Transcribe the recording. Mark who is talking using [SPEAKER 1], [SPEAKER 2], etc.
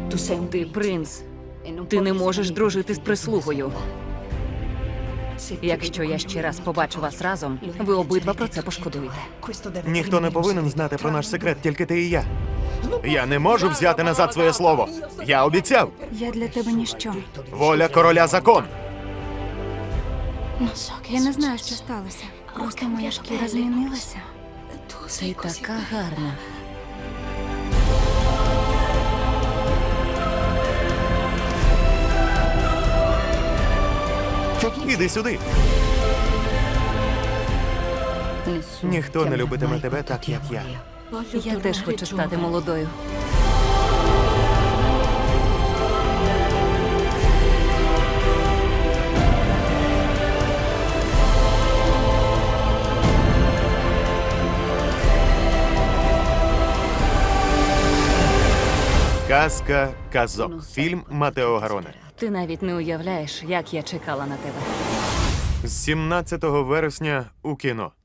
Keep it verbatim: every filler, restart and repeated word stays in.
[SPEAKER 1] Ти принц. Ти не можеш дружити з прислугою. Якщо я ще раз побачу вас разом, ви обидва про це пошкодуєте.
[SPEAKER 2] Ніхто не повинен знати про наш секрет, тільки ти і я. Я не можу взяти назад своє слово. Я обіцяв.
[SPEAKER 3] Я для тебе ніщо.
[SPEAKER 2] Воля короля закон.
[SPEAKER 3] Я не знаю, що сталося. Просто моя шкіра змінилася.
[SPEAKER 1] Ти така гарна.
[SPEAKER 2] Іди сюди. Ніхто не любитиме тебе так, як я.
[SPEAKER 1] Я теж хочу стати молодою.
[SPEAKER 2] Казка казок. Фільм Матео Гароне.
[SPEAKER 1] Ти навіть не уявляєш, як я чекала на тебе.
[SPEAKER 2] З сімнадцятого вересня у кіно.